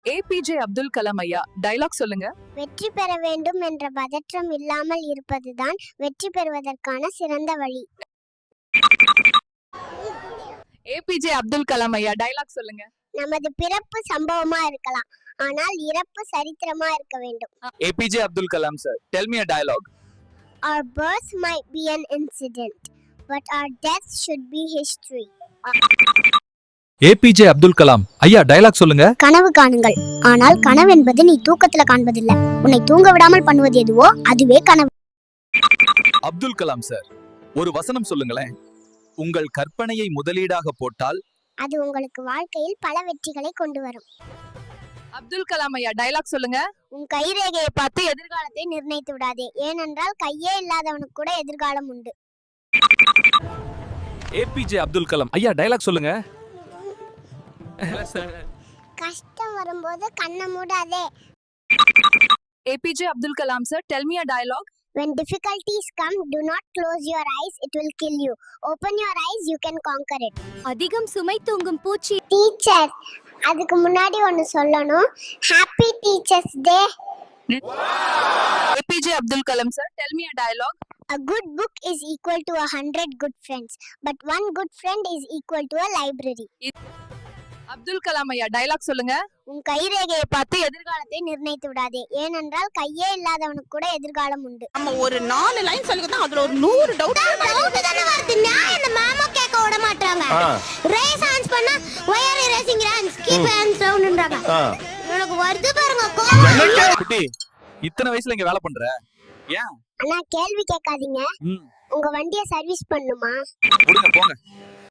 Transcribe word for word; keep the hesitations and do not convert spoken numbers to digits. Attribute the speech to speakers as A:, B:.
A: APJ Abdul Kalam ஐயா dialogue சொல்லுங்க.
B: வெற்றி பெற வேண்டும் என்ற பதற்றம் இல்லாமல் இருப்பதுதான் வெற்றி பெறுவதற்கான சிறந்த வழி.
A: ஏபிஜே அப்துல் கலாம் ஐயா டயலாக் சொல்லுங்க.
B: நமது பிறப்பு சம்பவமா இருக்கலாம், ஆனால் இறப்பு சரித்திரமா இருக்க வேண்டும்.
C: APJ Abdul Kalam sir, tell me a dialogue.
B: Our birth might be an incident, but our death should be history.
C: APJ Abdul Kalam ஐயா டயலாக் சொல்லுங்க.
B: கனவு காணுங்கள், ஆனால் கனவு என்பது நீ தூக்கத்துல காண்பதில்லை. உன்னை தூங்க விடாமல் பண்ணுவது எதுவோ அதுவே கனவு.
C: அப்துல் கலாம் சார், ஒரு வசனம் சொல்லுங்களேன். உங்கள் கற்பனையை முதலீடாக போட்டால்
B: அது உங்களுக்கு வாழ்க்கையில் பல வெற்றிகளை கொண்டு வரும்.
A: அப்துல் கலாம் ஐயா டயலாக் சொல்லுங்க.
B: உன் கைரேகையை பார்த்து எதிர்காலத்தை நிர்ணயித்து விடாதே, ஏனென்றால் கையே இல்லாதவனுக்கு கூட எதிர்காலம் உண்டு.
C: ஏபிஜே அப்துல் கலாம் ஐயா டயலாக் சொல்லுங்க.
B: கஷ்டம் வரும்போது கண்ணை மூடாதே.
A: APJ Abdul Kalam sir, tell me a dialogue.
B: When difficulties come, do not close your eyes, it will kill you. Open your eyes, you can conquer it.
D: அதிகம் சுமை தூங்கும் பூச்சி.
B: டீச்சர், அதுக்கு முன்னாடி ஒன்னு சொல்லணும். Happy teachers day.
A: APJ Abdul Kalam sir, tell me a dialogue.
B: A good book is equal to a hundred good friends, but one good friend is equal to a library.
A: Abdul Kalam ஐயா dialogue சொல்லுங்க.
B: உன் கைரேகையை பார்த்து எதிர்காலத்தை நிர்ணயித்து விடாதே, ஏனென்றால் கையே இல்லாதவனுக்கு கூட எதிர்காலம் உண்டு.
E: நம்ம ஒரு நாலு லைன் சொல்லிக்கிட்டா அதுல ஒரு நூறு டவுட்
B: டவுட் தான வருது. நான் என்ன மாமா கேட்க விட மாட்டாங்க. ரேஸ் ஆன்ஸ் பண்ணா வயர் ரேசிங் ரன்ஸ் கீப் ஹேண்ட்ஸ் டவுன்ன்றாங்க. எனக்கு வருது பாருங்க கோவம்.
C: குட்டி, இத்தனை வயசுல இங்க வேலை பண்ற ஏன்?
B: அண்ணா கேள்வி கேட்காதீங்க. உங்க வண்டியை சர்வீஸ் பண்ணுமா?
C: போங்க போங்க.